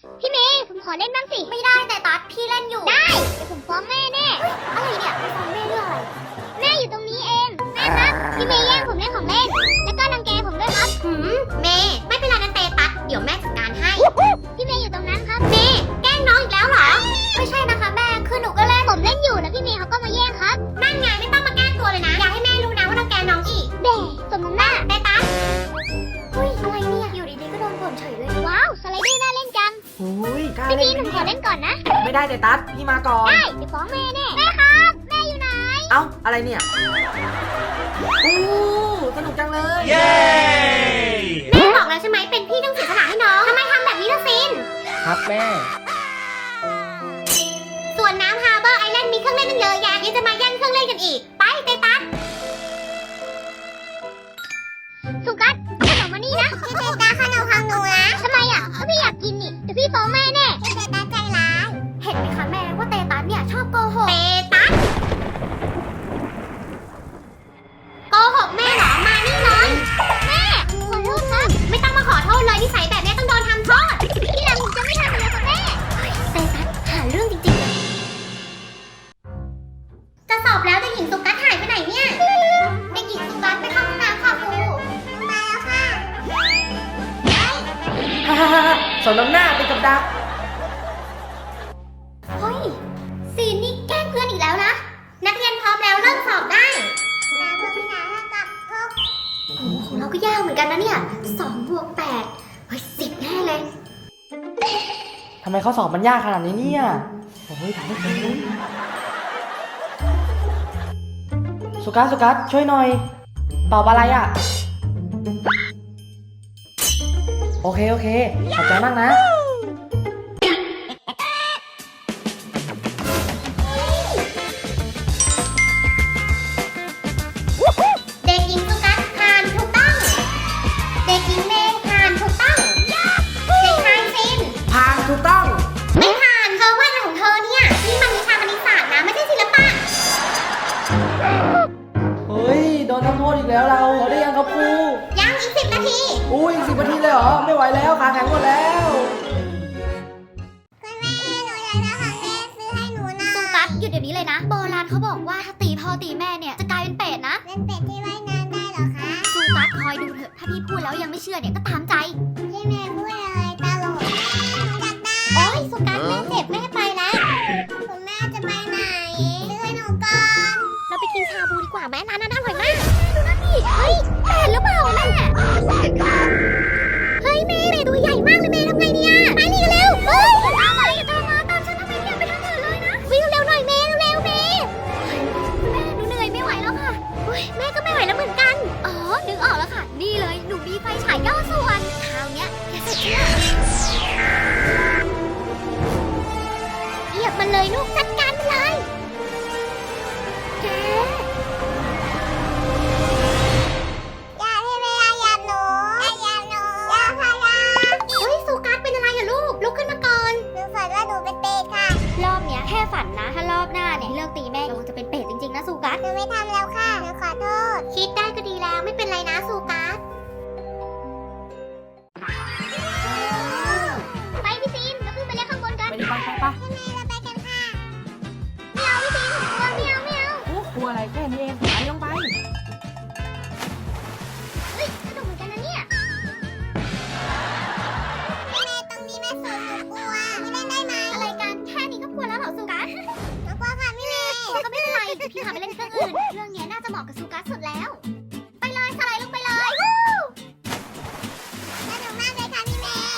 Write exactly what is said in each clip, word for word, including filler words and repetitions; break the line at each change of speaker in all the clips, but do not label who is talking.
พี่เมย์ผมขอเล่นบ้างสิไม่ได้แต่ตัดพี่เล่นอยู่ได้เดี๋ยวผมฟ้องแม่แน่อะไรเนี่ยไปฟ้องแม่เรื่องอะไรแม่อยู่ตรงนี้เองแม่ครับพี่เมย์แย่งผมเล่นของเล่นแล้วก็รังแกผมด้วยครับหืมเมย์ไม่เป็นไรนะเตตัดเดี๋ยวแม่จัดการให้พี่เมย์อยู่ตรงนั้นครับเมย์แกล้งน้องอีกแล้วเหรอไม่ใช่นะคะแม่คือหนูก็เล่นผมเล่นอยู่แล้วพี่เมย์เขาก็มาแย่งครับนั่นไงไม่ต้องมาแกล้งตัวเลยนะอยากให้แม่รู้นะว่ารังแกน้องอีกเบ้สมน้ำหน้าเตตัดเฮ้ยอะไรเนี่ยอยู่ดีๆก็โดนบ่นเฉยเลยว้าวสไลเดอร์น่าเล่นจัง
โอ้ยกล้า
พี่
เล่
พี
น
หนูขอเล่นก่อนนะ
ไม่ได้แต่ตัดพี่มาก่อน
ได้เดี๋ยวฟ้องแม่แน่แม่ครับแม่อยู่ไหน
เอ้าอะไรเนี่ยโอ้สนุกจังเลยเย้
แม่บอกแล้วใช่ไหมเป็นพี่ต้องเสียสละให้น้องทำไมทำแบบนี้ล่ะซิน
ครับแม่
ส่วนน้ำฮาร์เบอร์ไอแลนด์มีเครื่องเล่นตั้งเยอะแยะยังจะมาแย่งเครื่องเล่นกันอีกไปเตตัสสุกัสขนมมานี่นะเตตัสขนมของหนูนะทำไมอ่ะก็พี่อยากกินนี่เดี๋ยวพี่ฟ้องแม่แน่เตตัสใจร้ายเห็นไหมคะแม่ว่าเตตัสเนี่ยชอบโกหกเตตัสโกหกแม่เหรอมานี่เลยแม่ขอโทษครับไม่ต้องมาขอโทษเลยนิสัยแบบนี้ต้องโดนทำโทษที่หลังผมจะไม่ทำอีกแล้วค่ะแม่เตตัสหาเรื่องจริงๆจะสอบแล้วเด็กหญิงสุกัสหายไปไหนเนี่ยเด็กหญิงสุกัสไปเข้าห้องน้ำค่ะครูมาแล้วค่ะ
ฮ่าฮ่าฮ่าสอนน้ำหน้าเป็นกับดัก
เฮ้ยซีนนี่แกล้งเพื่อนอีกแล้วนะนักเรียนพร้อมแล้วเริ่มสอบได้แล้วเพื่อนไม่หากับพวกโอ้โหของเราก็ยากเหมือนกันนะเนี่ยสองบวกแปดเฮ้ยสิบแน่เลย
ทำไมข้อสอบมันยากขนาดนี้เนี่ยโอ้ยถ่ายไม่เป็นเลยสุกัสสุกัสช่วยหน่อยตอบอะไรอ่ะโอเคโอเคขอบใจมากนะ
เด็กหญิงสุกัสผ่านถูกต้องเด็กหญิงเมย์ผ่านถูกต้องเด็กชายซิน
ผ่านถูกต้อง
ไม่ผ่านเธอว่าอะไรของเธอเนี่ยนี่มันวิชาคณิตศาสตร์นะไม่ใช่ศิลปะ
เฮ้ยโดนทำโทษอีกแล้วเราเราได้ยังครับครู
ยังอีกสิบนาที
อุ้ยอีกสิบนาทีเลยเหรอไม่ไหวแล้วขาแข็งหมดแล้ว
คุณแม่หนูอยากได้ของเล่นซื้อให้หนูนะสุกัสหยุดเดี๋ยวนี้เลยนะโบราณเขาบอกว่าถ้าตีพ่อตีแม่เนี่ยจะกลายเป็นเป็ดนะเป็นเป็ดที่ว่ายน้ำได้เหรอคะสุกัสคอยดูเถอะถ้าพี่พูดแล้วยังไม่เชื่อเนี่ยก็ตามใจพี่แม่พูดอะไรตลกอยากได้โอ๊ยสุกัสแม่เจ็บแม่ไปแล้วคุณแม่จะไปไหนซื้อให้หนูก่อนเราไปกินชาบูดีกว่าแม่ร้านนั้นอร่อยมากดูนั่นดิเฮ้ยเป็ดหรือเปล่าแม่เฮ้ยแม่เป็ดตัวใหญ่มากเลยแม่ทำไงเนี่ยไปนี่กันเร็วเฮ้ยตามมาอย่าตามมาตามฉันทำไมเนี่ยไปทางอื่นเลยนะวิ่งเร็วหน่อยแม่เร็วแม่แม่หนูเหนื่อยไม่ไหวแล้วค่ะเฮ้ยแม่ก็ไม่ไหวแล้วเหมือนกันอ๋อนึกออกแล้วค่ะนี่เลยหนูมีไฟฉายย่อส่วนคราวเนี้ยแกเสร็จแล้วเหยียบมันเลยลูกจัดการมันเลยแกอย่าที่ไม่อย่าหยับหนูอย่าหยับหนูอย่าพยายามเฮ้ยสุกัสเป็นอะไรอะลูกลุกขึ้นมาก่อนหนูฝันว่าหนูเป็นเป็ดค่ะรอบเนี้ยแค่ฝันนะถ้ารอบหน้าเนี่ยเลิกตีแม่เราจะเป็นเป็ดจริงๆนะสุกัสหนูไม่ทำแล้วค่ะหนูขอโทษคิดได้ก็ดีแล้วไม่เป็นไรนะสุกัสไปพี่ซีนเราขึ้นไปเล่นข้างบนกัน
ไปดิไปไปไป
เราไปกันค่ะไม่เอาพี่ซีนกลัวไม่เอาไม่เอา
โอ้กลัวอะไรแค่นี้เองไปลงไป
เฮ้ยสนุกเหมือนกันนะเนี่ยแม่ตรงนี้แม่สวยหนูกลัวไม่เล่นได้ไหมอะไรกันแค่นี้ก็กลัวแล้วเหรอสุกัสหนูกลัวค่ะพี่เมย์ก็ไม่เป็นไรเดี๋ยวพี่พาไปเล่นเครื่องอื่นเรื่องนี้น่าจะเหมาะกับสุกัสสุดแล้วไปเลยสไลด์ลงไปเลยสนุกมากเลยค่ะพี่เมย์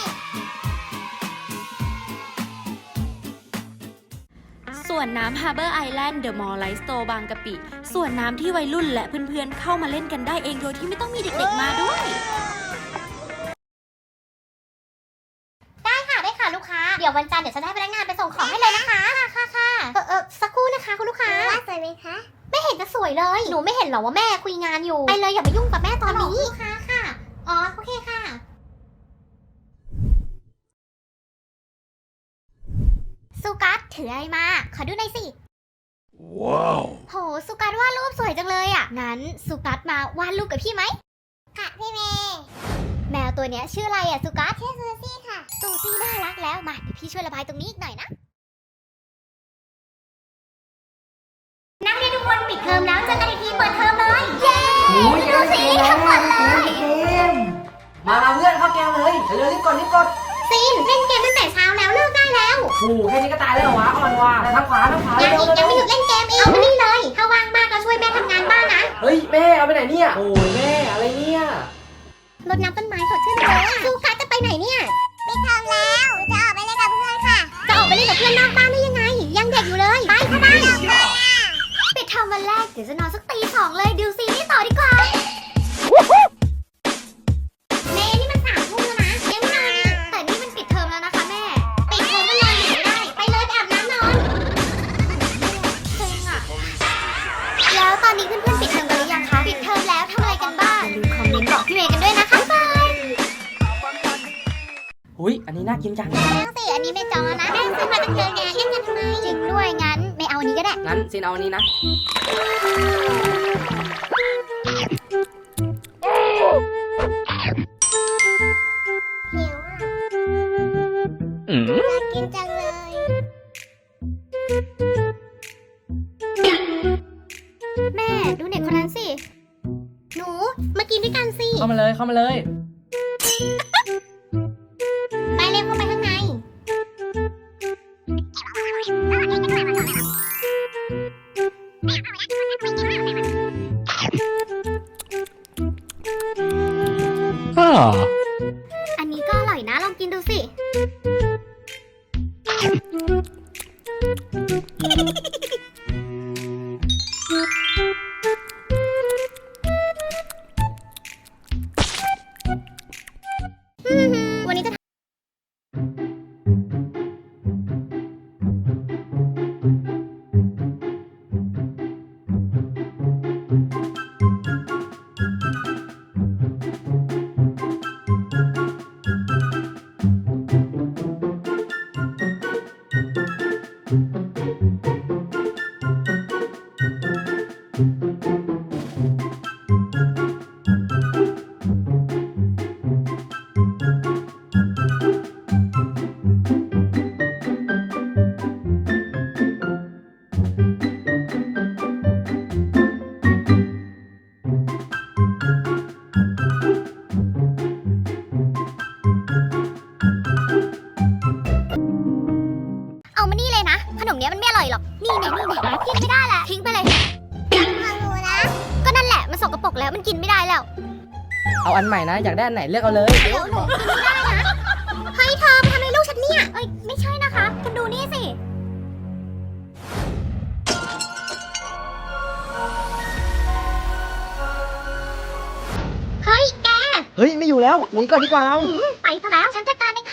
ส่วนน้ำ Harbor Island The Mall Light Store บางกะปิส่วนน้ำที่วัยรุ่นและเพื่อนๆเข้ามาเล่นกันได้เองโดยที่ไม่ต้องมีเด็กๆมาด้วย
ได้ค่ะได้ค่ะลูกค้าเดี๋ยววันจันทร์เดี๋ยวจะได้พนักงานไปส่งของให้เลยนะคะค่ะค่ะค่ะเออเออสักครู่นะคะคุณลูกค้าว่าสวยไหมคะไม่เห็นจะสวยเลยหนูไม่เห็นหรอว่าแม่คุยงานอยู่ไปเลยอย่าไปยุ่งกับแม่ตอนนี้ลูกค้าค่ะอ๋อโอเคค่ะสุกัสถืออะไรมาขอดูหน่อยสิว้าวโหสุกัสวาดรูปสวยจังเลยอ่ะงั้นสุกัสมาวาดรูปกับพี่ไหมค่ะพี่เมย์แมวตัวเนี้ยชื่ออะไรอ่ะสุกัสชื่อซูซี่ค่ะตูซี่น่ารักแล้วมาเดี๋ยวพี่ช่วยระบายตรงนี้อีกหน่อยนะนักเรียนทุกคนปิดเทอมแล้วเจอกันอีกทีเปิดเทอมเลยเย้
โอ้ย
ดูสิทั้งหมดเลย
เกมมามาเพื่อนเข้าเกมเลยเร็วรีบกดรีบกด
ซีนเล่นเกมตั้งแต่เช้าแล้วเลิกได้แล้ว
โอ้แค่นี้ก็ตายแล้วเหรอวะอ่อนว่ะทางขวาทางขวา
ยัง
เร็ว
อีก
เร็
ยัง
ว
ไม่หยุดเล่นเกมอีกเอามานี่เลยถ้าว่างมากก็ช่วยแม่ทำงานบ้านนะ
เฮ้ยแม่เอาไปไหนเนี่ยโอ้ยแม่อะไรเนี่ย
รดน้ำต้นไม้สดชื่นเลยซูกัสจะไปไหนเนี่ยปิดเทอมแล้วจะออกไปเล่นกับเพื่อนค่ะจะออกไปเล่นกับเพื่อนนอกบ้านได้ยังไงยังเด็กอยู่เลยไปเข้าบ้านปิดเทอมวันแรกเดี๋ยวจะนอนสักตีสองเลยดูซีรีส์ต่อดีกว่าเมย์นี่มันสามทุ่มแล้วนะยังไม่นอนอีกแต่นี่มันปิดเทอมแล้วนะคะแม่ปิดเทอมก็นอนอยู่ไม่ได้ไปเลยไปอาบน้ำนอนเซ็งอะแล้วตอนนี้เพื่อนๆปิดเทอมกันหรือยังคะปิดเทอมแล้วทำอะไรกันบ้างอย่าลืมคอมเมนต์บอกพี่เมย์กันด้วยนะคะบาย
อุ้ยอันนี้น่ากินจัง
แล้วสิอันนี้ไม่จองแล้วนะแม่ซื้อมาตั้งเยอะแยะเล่นกันทำไมจริงด้วยงั้นไม่เอาอันนี้ก็ได้
งั้นซินเอาอันนี้นะ
หิวอ่ะอยากกินจังเลย แม่ดูเด็กคนนั้นสิ หนูมากินด้วยกันสิ
เข้ามาเลยเข้ามาเลย
ไปเร็วเข้าไปข้างในอันนี้ก็อร่อยนะลองกินดูสิ วันนี้จะเอามานี่เลยนะ ขนมเนี้ยมันไม่อร่อยหรอก นี่เนี่ยนี่เนี่ยกินไม่ได้แหละทิ้งไปเลยยังพังหนูนะ ก็นั่นแหละมันสกปรกแล้วมันกินไม่ได้แล้ว
เอาอันใหม่นะอยากได้อันไหนเลือกเอาเลย
เดี๋ยวหนูกินไม่ได้นะเฮ้ยเธอมาทำอะไรลูกฉันเนี่ย เอ้ยไม่ใช่นะคะ คุณดูนี่สิ เฮ้ยแก
เฮ้ยไม่อยู่แล้วหนีก่อนดีกว่าเรา
ไปซะแล้วฉันจัดการเอง